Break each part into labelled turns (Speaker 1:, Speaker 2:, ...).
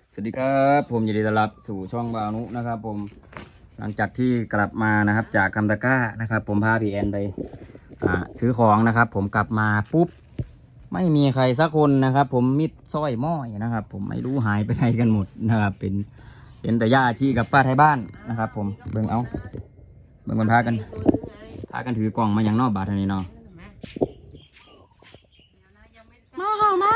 Speaker 1: สวัสดีครับผมยินดีต้อนรับสู่ช่องบาวนุนะครับผมหลังจากที่กลับมานะครับจากคำตะกร้านะครับผมพาพี่แอนไปซื้อของนะครับผมกลับมาปุ๊บไม่มีใครสักคนนะครับผมมิดสร้อยม้อยนะครับผมไม่รู้หายไปไหนกันหมดนะครับเป็นแต่ย่าชีกับป้าไทยบ้านนะครับผมเบิ่งคนพากันถือกล่องมาอย่างนอกบาทนี้เนาะมา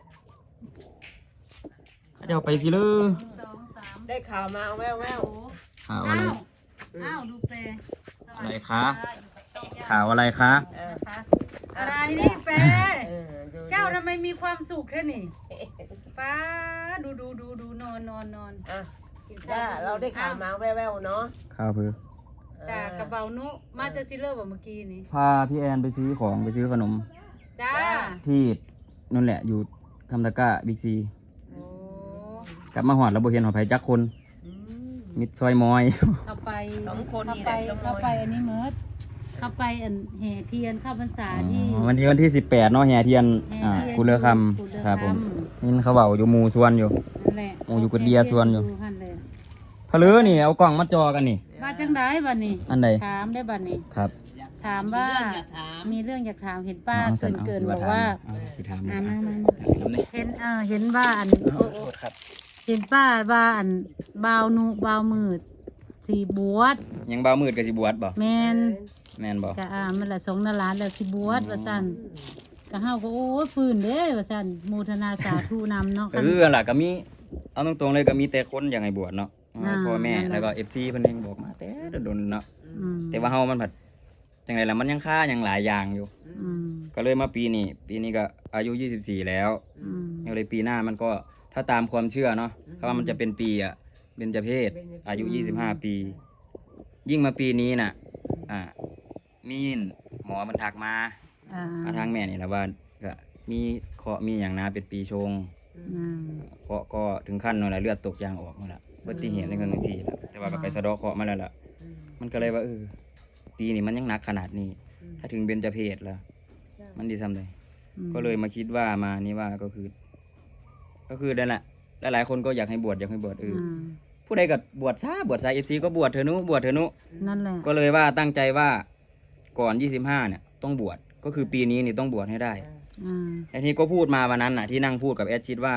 Speaker 1: เดี๋ยวไปสิเลย
Speaker 2: ได้ข่าวมาแวว
Speaker 1: ข่าวอะไร
Speaker 3: อ้าวดูเปล
Speaker 1: อะไรคะข่าวอะไรคะ
Speaker 3: อะไรนี่เปล
Speaker 2: ดู
Speaker 3: เจ้าทำไมมีความสุขแค่นี้ป้าดูนอน
Speaker 2: อ่ะจ้าเราได้ข่าวมาแววเนาะ
Speaker 1: ข่าวเพื่อ
Speaker 3: จากกระเป๋านุมาจะซิเลอร์แบบเมื่อกี้นี้
Speaker 1: พาพี่แอนไปซื้อของไปซื้อขนม
Speaker 3: จ้า
Speaker 1: ที่นั่นแหละอยู่คำตะกร้าบิ๊กซี
Speaker 3: โอ้
Speaker 1: กลับมาหอดแล้วบ่เห็นหอไผจักคน มิดซอยมอย
Speaker 3: เข้าไป
Speaker 2: 2 คน
Speaker 3: เข้า
Speaker 2: นี่
Speaker 3: ไป
Speaker 2: แหละ
Speaker 3: เข้าไปอันนี้เมิร์ดเข้าไปอันแห่เทียนเข้าพรรษาที่
Speaker 1: วันที่18เนาะแห่เทียน
Speaker 3: แห่เทียน
Speaker 1: กุเลอค
Speaker 3: กุเลอ
Speaker 1: ำครับผม
Speaker 3: คำ
Speaker 1: นี่เขาเบาอยู่หมู่สวนอยู่
Speaker 3: นั่นแหละ
Speaker 1: โอ้อยู่กับเดียส่วนอยู่
Speaker 3: หั่นเลย
Speaker 1: พะเลือนี่เอากล่องมาจอกันนี่
Speaker 3: ว่าจังไดบัดนี้
Speaker 1: อันใด
Speaker 3: ถามได้บัดนี้
Speaker 1: ครับ
Speaker 3: ถามว่า
Speaker 2: มีเรื่องอยากถาม
Speaker 3: มีเรื่องอยากถามเห็นป้าเกินบอกว่า
Speaker 1: สิถาม
Speaker 3: มา
Speaker 1: น้ำนี่
Speaker 3: เห็นว่าอัน
Speaker 1: โทษครับ
Speaker 3: เห็นป้าว่าอันบาวมืดสีบวช
Speaker 1: ยังเบามืดกับสิบวชบ่
Speaker 3: แมน
Speaker 1: แม่นบ่
Speaker 3: กะมันละสงนาล้านแล้วสิบวชว่าซั่นกะเฮาก็โอ้ยฟื้นเด้ว่าซั่นโมทนาสาธุนำเนาะ
Speaker 1: ก็คือล่ะก็มีเอาตรงๆเลยก็มีแต่คนอยากให้บวชเนาะพ่อแม่
Speaker 3: นั่นแหละ
Speaker 1: แล้วก็ FC เพิ่นเองบอกมาแต่โดนๆเนาะ
Speaker 3: อืม
Speaker 1: แต่ว่าเฮามันผัดจังไดล่ะมันยังค่ายังหลายอย่างอยู่
Speaker 3: อืม
Speaker 1: ก็เลยมาปีนี้ก็อายุ24แล้ว
Speaker 3: อืม
Speaker 1: ก็เลยปีหน้ามันก็ถ้าตามความเชื่อเนาะถ้าว่ามันจะเป็นปีเบญจเพศอายุ25 ปี ยิ่งมาปีนี้น่ะมีหมอมันทักมา
Speaker 3: อ่า
Speaker 1: ทางแม่นี่แหละว่าก็มีเคราะห์มีอย่างนะเป็นปีชง
Speaker 3: อืม
Speaker 1: เคราะห์ก็ถึงขั้นนั่นแหละเลือดตกยางออกนั่นแหละอุบัติเหตุในครั้งที่4แล้วแต่ว่าก็ไปสะเดาะเคราะห์มาแล้วล่ะมันก็เลยว่าปีนี้มันยังหนักขนาดนี้ ถ้าถึงเบญจเพศแล้ว มันดีซ้ำเลยก็เลยมาคิดว่ามานี่ว่าก็คือนั่นแหละหลายๆคนก็อยากให้บวชผู้ใดก็บวชสาย FC ก็บวชเถอะนุ
Speaker 3: นั่นแหละ
Speaker 1: ก็เลยว่าตั้งใจว่าก่อน25เนี่ยต้องบวชก็คือปีนี้นี่ต้องบวชให้ได้
Speaker 3: อืม
Speaker 1: ไอ้ที่ก็พูดมาวันนั้นน่ะที่นั่งพูดกับแอดชิดว่า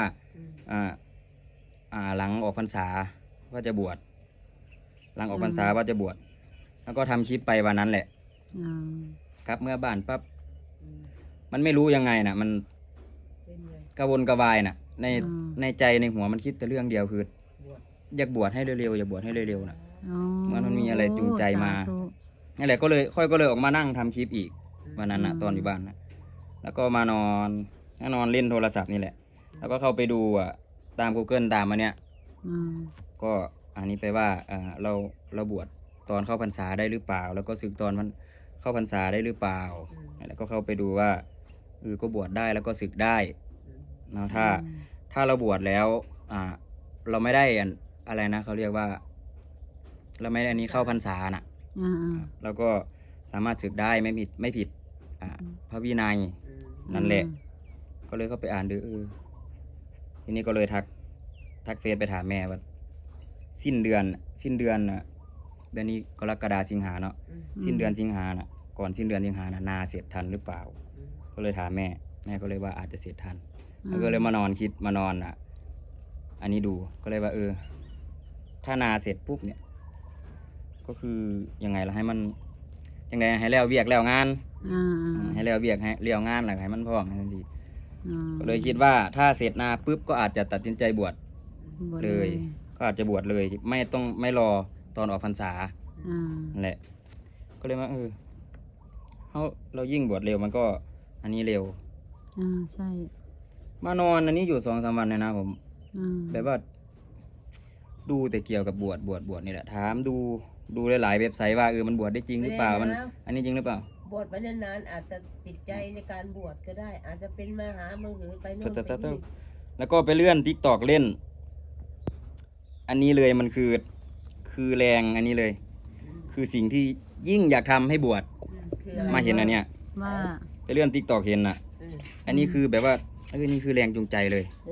Speaker 1: หลังออกพรรษาว่าจะบวชหลังออกพรรษาว่าจะบวชแล้วก็ทำคลิปไปวันนั้นแหละ
Speaker 3: อืม
Speaker 1: ครับเมื่อบ้านปั๊บมันไม่รู้ยังไงน่ะมันกระวนกระวายน่ะในใจในหัวมันคิดแต่เรื่องเดียวคืออยากบวชให้เร็วๆอยากบวชให้เร็วๆน่ะ
Speaker 3: อ๋อ
Speaker 1: มันมีอะไรจูงใจมา
Speaker 3: สธุ
Speaker 1: นั่นแหละก็เลยออกมานั่งทำคลิปอีกวันนั้นน่ะตอนอยู่บ้านน่ะแล้วก็มานอนเล่นโทรศัพท์นี่แหละ แล้วก็เข้าไปดูตาม Google ตามมาเนี่ย
Speaker 3: อืม
Speaker 1: ก็อันนี้ไปว่าเราบวชตอนเข้าพรรษาได้หรือเปล่า แล้วก็ศึกตอนมันเข้าพรรษาได้หรือเปล่าแล้วก็เข้าไปดูว่าก็บวชได้แล้วก็ศึกได้เนาะถ้าเราบวชแล้วเราไม่ได้อะไรนะเขาเรียกว่า เราไม่ได้อันนี้เข้าพรรษาน่ะ
Speaker 3: อ่า
Speaker 1: แล้วก็สามารถศึกได้ไม่ผิดพระวินัยนั่นแหละ ก็เลยเข้าไปอ่านดูทีนี้ก็เลยทักเฟซไปถามแม่ว่าสิ้นเดือนเดือนนี้กรกฎาสิงหาเนาะสิ้นเดือนสิงหาน่ะก่อนสิ้นเดือนสิงหาน่ะนาเสร็จทันหรือเปล่า ก็เลยถามแม่ก็เลยว่าอาจจะเสร็จทันแล้วก็เลยมานอนอันนี้ดูก็เลยว่าถ้านาเสร็จปุ๊บเนี่ยก็คือยังไงล่ะให้มันยังไงให้แล้วเวียกแล้วงาน
Speaker 3: อ่า
Speaker 1: ให้แล้วเวียกให้เลี้ยวงานอะไรให้มันพร้อมทันที
Speaker 3: อ่า
Speaker 1: ก็เลยคิดว่าถ้าเสร็จนาปุ๊บก็อาจจะตัดสินใจบวช
Speaker 3: บ่
Speaker 1: เลย ก็อาจจะบวชเลยไม่รอตอนออกพรรษา
Speaker 3: อ่า
Speaker 1: นั่นแหละก็เลยว่าเรายิ่งบวชเร็วมันก็อันนี้เร็ว
Speaker 3: อ่าใช่
Speaker 1: มานอนอันนี้อยู่2-3 วันเลยนะผม
Speaker 3: อ่า
Speaker 1: แบบว่าดูแต่เกี่ยวกับบวชนี่แหละถามดูหลายๆเว็บไซต์ว่ามันบวชได้จริงหรือเปล่ามันอันนี้จริงหรือเปล่า
Speaker 2: บวชไปนานๆอาจจะจิตใจในการบวชก็ได้ อาจจะเป็นมหามือหือไปโน่นไปนี่
Speaker 1: แล้วก็ไปเลื่อน TikTok เล่น อันนี้เลยมันคือแรงอันนี้เลย คือสิ่งที่ยิ่งอยากทำให้บวช
Speaker 2: คืออะไร
Speaker 1: มาเห็นอันเนี้ย
Speaker 3: ว่า
Speaker 1: ไปเลื่อน TikTok เห็นน่ะ อันนี้คือแบบว่านี่คือแรงจูงใจเลย
Speaker 2: เออ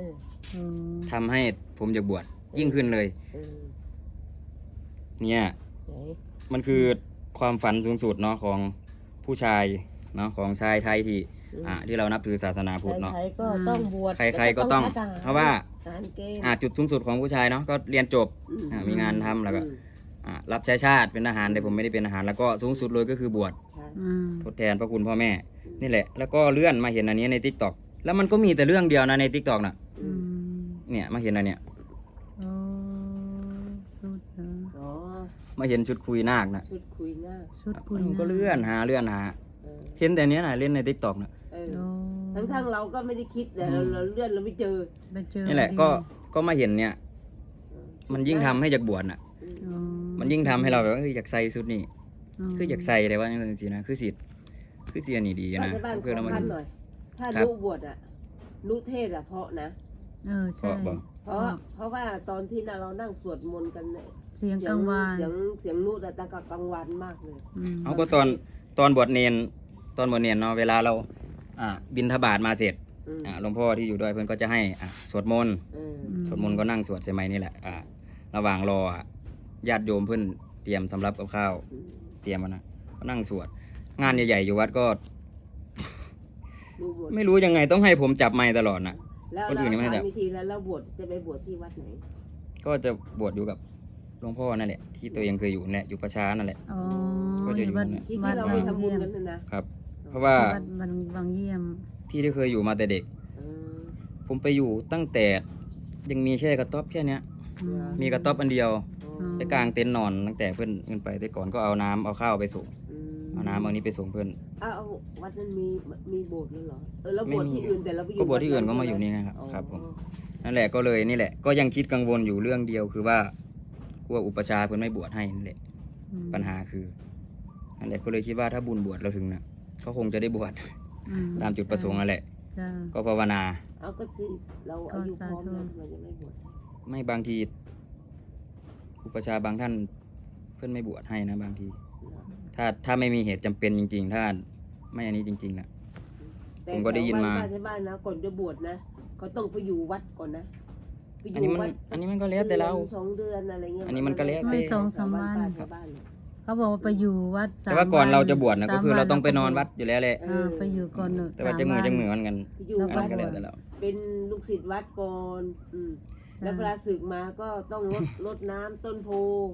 Speaker 3: เออ
Speaker 1: ทำให้ผมอยากบวชยิ่งขึ้นเลย
Speaker 2: เออ
Speaker 1: เนี่ย
Speaker 2: ไหน
Speaker 1: มันคือความฝันสูงสุดเนาะของผู้ชายเนาะของชายไทยที่ที่เรานับถือศาสนาพุทธเนาะ
Speaker 2: ใครๆก็ต้องบวช
Speaker 1: ใครๆก็ต้อง
Speaker 2: แล้วทห
Speaker 1: เพราะว่า
Speaker 2: ทหารเกณฑ์
Speaker 1: จุดสูงสุดของผู้ชายเนาะก็เรียนจบ มีงานทำแล้วก็รับใช้ชาติเป็นทหารแต่ผมไม่ได้เป็นทหารแล้วก็สูงสุดเลยก็คือบวช
Speaker 2: ใช่
Speaker 3: อืม
Speaker 1: ทดแทนพระคุณพ่อแม่นี่แหละ แล้วก็เลื่อนมาเห็นอันนี้ใน TikTok แล้วมันก็มีแต่เรื่องเดียวนะใน TikTok น่ะ
Speaker 3: อืม
Speaker 1: เนี่ยมาเห็นอันเนี้ย
Speaker 3: โอ้สุดเหรอ
Speaker 2: อ๋อ
Speaker 1: มาเห็นชุดคุยนาคน่ะ
Speaker 2: ชุดคุยหน้า
Speaker 3: ชุดคุย
Speaker 1: มันก็เลื่อนหา
Speaker 2: เออ
Speaker 1: เห็นแต่เนี้ยน่ะเล่นใน TikTok น่ะ
Speaker 2: เออ
Speaker 3: โอ้
Speaker 2: ทั้งๆเราก็ไม่ได้คิดแต่เราเลื่อนเราไม่เจอ
Speaker 3: ไปเจอ
Speaker 1: นี่แหละ
Speaker 3: พอดี
Speaker 1: ก็มาเห็นเนี่ย มันยิ่งทำให้อยากบวชน่ะ
Speaker 3: อ๋อ
Speaker 1: มันยิ่งทำให้เราแบบว่าอยากใส่ชุดนี้ คืออยากใส่แต่ว่าจริงๆนะคือสิอันนี้ดี
Speaker 2: บ้าน
Speaker 1: นะ
Speaker 2: ที่บ้านข
Speaker 1: เพื่อ
Speaker 2: อ
Speaker 1: เรามา
Speaker 2: พันหน่อย ถ้า
Speaker 1: ครับ
Speaker 2: ลูกบวชอ่ะลูกเทศอ่ะเพราะนะ
Speaker 3: เออ
Speaker 1: เพ
Speaker 3: ใช่
Speaker 1: ราะบอก
Speaker 2: เพราะว่าตอนที่เรานั่งสวดมนต์กันเนี่ย
Speaker 3: เสียงกังวาน
Speaker 2: เสียงนูดอะตะกะกังวานมากเลย
Speaker 3: ม
Speaker 1: เอาก็ตอนบวชเนนเนาะเวลาเราบิณฑบาตมาเสร็จ
Speaker 2: อืม
Speaker 1: หลวงพ่อที่อยู่ด้วยเพื่อนก็จะให้สวดมนต์
Speaker 2: เออ
Speaker 1: สวดมนต์ก็นั่งสวดใช่ไหมนี่แหละระหว่างรอญาติโยมเพื่อนเตรียมสำรับกับข้าว
Speaker 2: อืม
Speaker 1: เตรียมมานะก็นั่งสวด งานใหญ่ๆอยู่วัดก็
Speaker 2: ลูกบวช
Speaker 1: ไม่รู้ยังไงต้องให้ผมจับไมค์ตลอดนะ
Speaker 2: แล้ว
Speaker 1: คนอื่นยังไม่ได้
Speaker 2: ถามวิธีแล้วเราบวชจะไปบวชที่วัดไหน
Speaker 1: ก็จะบวชอยู่กับหลวงพ่อนั่นแหละที่ตัวเองเคยอยู่เนี่ยอยู่ประชานั่นแหละ
Speaker 3: อ๋อ
Speaker 1: ก็จะอยู่
Speaker 3: วัด
Speaker 1: เนี่ย
Speaker 2: ที่
Speaker 3: วัด
Speaker 2: เรา
Speaker 3: บา
Speaker 2: ไป
Speaker 3: ง
Speaker 2: ทำบุ
Speaker 3: เยี่
Speaker 2: ญ
Speaker 3: ยม
Speaker 2: กันนะครับ
Speaker 1: เพราะว่า
Speaker 3: วัดบางเยี่ยม
Speaker 1: ที่เคยอยู่มาแต่เด็ก
Speaker 2: เออ
Speaker 1: ผมไปอยู่ตั้งแต่ยังมีแค่กระต๊อบแค่เนี้ย
Speaker 3: อืม
Speaker 1: มีกระต๊อบอันเดียว
Speaker 2: อ๋อ
Speaker 1: ไปกลางเต็นท์นอนตั้งแต่เพื่อนขึ้นไปแต่ก่อนก็เอาน้ำเอาข้าวไปส่ง
Speaker 2: อืม
Speaker 1: เอาน้ำเอานี้ไปส่งเพื่อน
Speaker 2: อ้าววัดนั้นมีโบสถ์แล้วเหรอเราบวช
Speaker 1: ไม่มี
Speaker 2: ที่อื่นแต่เราไปอยู่
Speaker 1: ก็บวชที่อื่น
Speaker 2: วัด
Speaker 1: ก็มาอยู่นี่นะครับ
Speaker 2: อ๋อ
Speaker 1: ครับผม นั่นแหละก็เลยนี่แหละก็ยังคิดกังวลอยู่เรื่องเดียวคือว่ากลัวอุปชฌาย์เพื่อนไม่บวชให้นั่นแหละ
Speaker 3: อืม
Speaker 1: ปัญหาคือนั่นแหละก็เลยคิดว่าถ้าบุญบวชเราถึงนะก็คงจะได้บวช
Speaker 3: อื
Speaker 1: ตามจุดประสงค์นั่นแหละ
Speaker 3: จ้า
Speaker 1: ก็ภาวนา
Speaker 2: เอาก็สิเราอายุพร้อมแล้วทำไมยังไม่บวช
Speaker 1: ไม่บางที อุปชฌาย์บางท่านเพื่อนไม่บวชให้นะบางที ถ้าไม่มีเหตุจำเป็นจริง ๆ ถ้าไม่อันนี้จริงๆนะ
Speaker 2: แต่
Speaker 1: ผมก็ได้ยินมา
Speaker 2: แถวบ้ที่บ้านนะก่อนจะบวชนะเขาต้องไปอยู่วัดก่อนนะไปอ
Speaker 1: อันนี้
Speaker 2: ยู่
Speaker 1: มัน
Speaker 2: วัด
Speaker 1: อันนี้มันก็แล้วแต่เรา
Speaker 2: ดือน2 เดือนอะไรเงี้ย
Speaker 1: อันนี้มันก็แล้วแต่
Speaker 3: สองสามวัน
Speaker 2: ชาวบ้านเนี่ย
Speaker 3: เขาบอกว่าไปอยู่วัดสาม
Speaker 1: แต่ว่าก่อน
Speaker 3: วั
Speaker 1: เราจะบวชนะ
Speaker 3: ส
Speaker 1: ก็คือเราต้องไป
Speaker 3: วั
Speaker 1: นอนวัดอยู่แล้วแหละ
Speaker 3: ไปอยู่ก่อนเนอะ
Speaker 1: แต่ว่า
Speaker 3: ส
Speaker 1: จะมือ
Speaker 3: วัน
Speaker 1: จะมือมันกัน
Speaker 2: ไปอยู่
Speaker 3: แล้ว
Speaker 1: อัน
Speaker 2: วั
Speaker 1: นั้
Speaker 2: ด
Speaker 1: นก็แล้วแต่เรา
Speaker 2: เป็นลูกศิษย์วัดก่อนแล้วเวลาศึกมาก็ต้องรดน้ำต้นโพ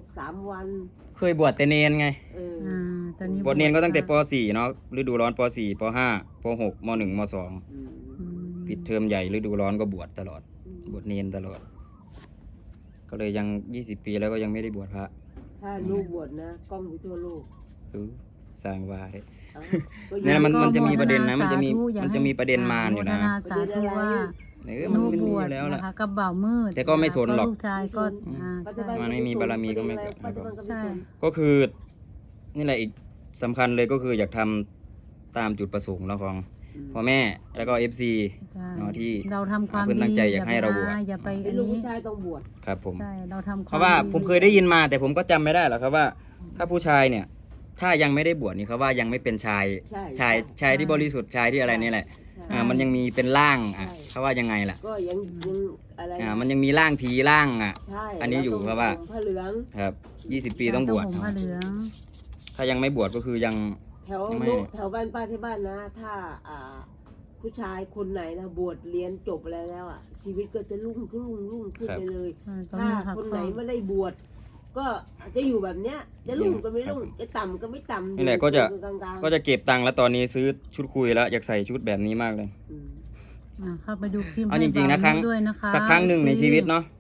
Speaker 2: 3 วัน
Speaker 1: เคยบวชแต่เนนไง
Speaker 2: เออ
Speaker 3: อ่าตอนนี้
Speaker 1: บวชเนนก็ตั้งแต่ป .4 เนาะฤดูร้อนป .4 ป .5 ป .6 ม .1 ม .2
Speaker 2: อืม
Speaker 3: อืม
Speaker 1: ปิดเทอมใหญ่ฤดูร้อนก็บวชตลอด บวชเนนตลอด ก็เลยยัง20 ปีแล้วก็ยังไม่ได้บวชพระ
Speaker 2: ถ้าลูกบวชนะกล้องไปทั่วโลก
Speaker 1: สร้างว่าเลย
Speaker 2: เอ้าก็
Speaker 1: เนี่ย
Speaker 2: ยัง
Speaker 1: มันจะมีประเด็นนะ
Speaker 3: โฆ
Speaker 1: มันจะมี
Speaker 3: สาธุอยาก
Speaker 1: มัน
Speaker 3: ให้
Speaker 1: จะมีประเด็นมาอยู่นะ
Speaker 3: โฆษณาสาธุว่า
Speaker 1: มัน
Speaker 3: นู
Speaker 1: มี
Speaker 3: บวช
Speaker 1: อยู่แล้ว
Speaker 3: นะ
Speaker 1: ล่ะ
Speaker 3: คะกับบ่าวมืด
Speaker 1: แต่ก็ไม่สนหรอก
Speaker 3: ลูกชายก็อ่า
Speaker 2: ปัจ
Speaker 3: ใช่
Speaker 2: จุบั
Speaker 1: มันไม่มีบารมีก็ไม่เกิด
Speaker 2: ปัจจุบันก็ไม่
Speaker 3: ใช่
Speaker 2: สน
Speaker 1: ก็คือนี่แหละอีกสำคัญเลยก็คืออยากทำตามจุดประสงค์เนาะของพ่อแม่แล้วก็ FC
Speaker 3: ใช่
Speaker 1: เนาะที่
Speaker 3: เราทำความ
Speaker 1: เพิ่นตั้งใจอยากให้เราบวช
Speaker 3: อย่าไป
Speaker 2: เป็น
Speaker 3: อัน
Speaker 2: ลูก
Speaker 3: นี้
Speaker 2: ผู้ชายต้องบวช
Speaker 1: ครับผม
Speaker 3: ใช่เราทำ
Speaker 1: เพราะว่าผมเคยได้ยินมาแต่ผมก็จำไม่ได้หรอกครับว่า ถ้าผู้ชายเนี่ย ถ้ายังไม่ได้บวชนี่เขาว่ายังไม่เป็นชาย
Speaker 2: ใช่
Speaker 1: ชายที่บริสุทธิ์ชายที่อะไรนี่แหละ
Speaker 2: ใช่
Speaker 1: มันยังมีเป็นร่าง
Speaker 2: ใช่
Speaker 1: เขาว่ายังไงล่ะ
Speaker 2: ก็ยังอะไร
Speaker 1: มันยังมีร่างผีร่าง
Speaker 2: ใช่
Speaker 1: อันนี้อยู่
Speaker 2: ต้ง
Speaker 1: เพราะว่า
Speaker 2: ห่มผ้าเหลือง
Speaker 1: ครับ20 ปีต้องบวช
Speaker 3: ห่มผ้าเหลือง
Speaker 1: ถ้ายังไม่บวชก็คือยัง
Speaker 2: แถว
Speaker 1: ยังไม่
Speaker 2: ลูกแถวบ้านป้าที่บ้านนะ ถ้าผู้ชายคนไหนนะบวชเรียนจบอะไรแล้วชีวิตก็จะรุ่งขึ้นไปเลย
Speaker 3: ต้อง
Speaker 2: ถ้า
Speaker 3: มีผัก
Speaker 2: คน
Speaker 3: ข้
Speaker 2: ไหน
Speaker 3: อ
Speaker 2: ไม่ได้บวชก็จะอยู่แบบเนี้ยจะรุ่งก็ไม่รุ่งจะต่ำก็ไม่ต่ำ
Speaker 1: นี่แหละก็จะ
Speaker 2: อยู่กลางๆ
Speaker 1: ก็จะเก็บตังค์แล้วตอนนี้ซื้อชุดคุยแล้วอยากใส่ชุดแบบนี้มากเลย
Speaker 2: อืม
Speaker 3: เข้าไปดูคลิป
Speaker 1: เอาจริงๆนะ
Speaker 3: ให้
Speaker 1: ครั้ง
Speaker 3: บ่าวด้วยนะคะ
Speaker 1: สักครั้งหนึ่งในชีวิตเนาะ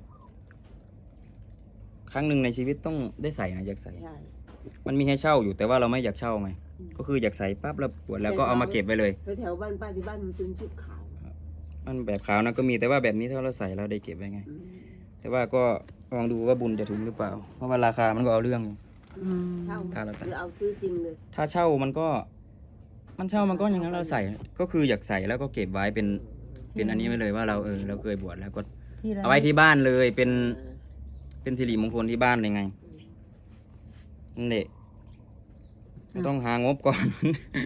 Speaker 1: ครั้งหนึ่งในชีวิตต้องได้ใส่นะอยากใส่
Speaker 2: ใช่
Speaker 1: มันมีให้เช่าอยู่แต่ว่าเราไม่อยากเช่าไงก็คืออยากใส่ปั๊บแล้วบวชแล้วก็เอามาเก็บไว้เลย
Speaker 2: แถวบ้านป้าที่บ้านมันเป็นชุดขาว
Speaker 1: มันแบบขาวนะก็มีแต่ว่าแบบนี้ถ้าเราใส่เราได้เก็บไว้ไง
Speaker 2: อืม
Speaker 1: แต่ว่าก็ลองดูว่าบุญจะถึงหรือเปล่า เพราะว่าราคามันก็เอาเรื่องอยู่
Speaker 3: อืม
Speaker 2: เช่า
Speaker 1: ถ้าเราตัด
Speaker 2: หรือเอาซื้อจริงเลย
Speaker 1: ถ้าเช่ามันก็อย่างนั้นเราใส่ ก็คืออยากใส่แล้วก็เก็บไว้เป็นอันนี้ไว้เลยว่าเราเราเคยบวชแล้วก็
Speaker 3: ที่ร้น
Speaker 1: เอาไว้ที่บ้านเลยเป็นสิริมงคลที่บ้านเลยไงนั่นแหละก็ต้องหางบก่อน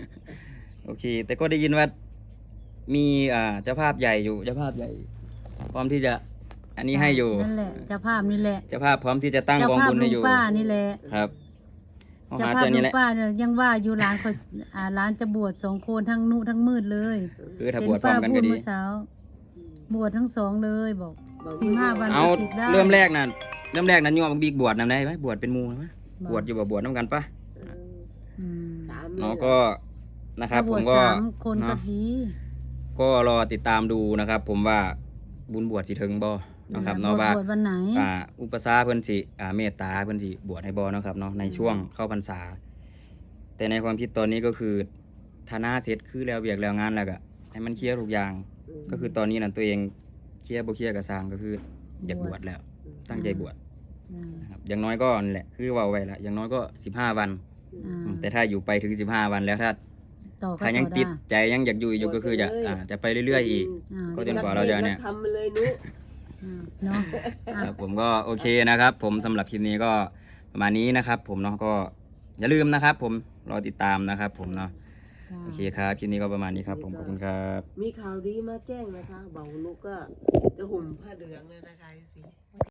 Speaker 1: โอเค แต่ก็ได้ยินว่ามีเจ้าภาพใหญ่อยู่เจ้าภาพใหญ่พร้อมที่จะอันนี้ให้อยู่
Speaker 3: นั่นแหละเจ้าภาพนี่แหละ
Speaker 1: เจ้าภาพพร้อมที่จะตั้ง
Speaker 3: เจ้าก
Speaker 1: อง
Speaker 3: ภาพ
Speaker 1: บุญ
Speaker 3: ลุ
Speaker 1: ให้
Speaker 3: ง
Speaker 1: อยู่
Speaker 3: ป้านี่แหละ
Speaker 1: ครับเอา
Speaker 3: เจ้า
Speaker 1: หา
Speaker 3: ภาพ
Speaker 1: เจอ
Speaker 3: ลุ
Speaker 1: นี่
Speaker 3: ง
Speaker 1: แหละ
Speaker 3: ป้าเนี่ยยังว่าอยู่ร้านคนร้านจะบวช2 คนทั้งนุทั้งมืดเลย
Speaker 1: คือถ้าบวชพร้อมกัน
Speaker 3: พู
Speaker 1: ก็
Speaker 3: ด
Speaker 1: ดี
Speaker 3: เมื่อเช้า บวชทั้ง 2เลยบอก
Speaker 2: บอก
Speaker 3: 15 วัน
Speaker 1: เอา
Speaker 3: ก็สิได้
Speaker 1: เริ่มแรกน่ะโยมบิ๊กบวชนำได้ไหมบวชเป็นหมูไหมบวชอยู่บ่บวชน้ำกันปะ
Speaker 3: อืม
Speaker 2: สาม
Speaker 1: เนาะก็นะครับ
Speaker 3: ถ้าบ
Speaker 1: ผ
Speaker 3: ว
Speaker 1: ม
Speaker 3: ช
Speaker 1: ก็
Speaker 3: 3 คนก็
Speaker 1: เนาะ
Speaker 3: ดี
Speaker 1: ก็รอติดตามดูนะครับ ผมว่าบุญบวชสิถึงบ่นะครับ
Speaker 3: บ
Speaker 1: เนาะ
Speaker 3: วช
Speaker 1: ว่า
Speaker 3: บวชวันไหน
Speaker 1: อุปสาเพิ่นสิเมตตาเพิ่นสิบวชให้บ่เนาะครับเนาะในช่วงเข้าพรรษา แต่ในความคิดตอนนี้ก็คือถ้าหน้าเสร็จคือแล้วเวียกแล้วงานแล้วก็ให้มันเคลียร์ทุกอย่าง ก็คือตอนนี้นั่นตัวเองเคลียร์บ่เคลียร์ก็สร้างก็คืออยากบวชแล้ว ตั้งใจบวช
Speaker 3: อืม
Speaker 1: นะครับอย่างน้อยก็นั่นแหละคือเว้าไว้แล้วอย่างน้อยก็15 วัน
Speaker 3: อ่า
Speaker 1: แต่ถ้าอยู่ไปถึง15 วันแล้วถ้า
Speaker 3: ต่อก็
Speaker 1: ถ้ายัง
Speaker 3: ต่อ
Speaker 1: ติด
Speaker 3: ได้
Speaker 1: ใจยังอยากอยู่ก็คือจะไปเรื่อยๆอีก
Speaker 3: อ่า
Speaker 1: ก็จนกว่าเราจะเนี่ย
Speaker 2: ทำมาเลยนุ
Speaker 3: เนาะ
Speaker 1: ครับผมก็โอเคนะครับ ผมสำหรับคลิปนี้ก็ประมาณนี้นะครับ ผมเนาะก็อย่าลืมนะครับ ผมรอติดตามนะครับ ผมเนาะโอเคครับคลิปนี้ก็ประมาณนี้ครับ ผมขอบคุณครับ
Speaker 2: มีข่าวดีมาแจ้งนะคะเบานุก็จะห่มผ้าเหลืองเลยนะคะสิ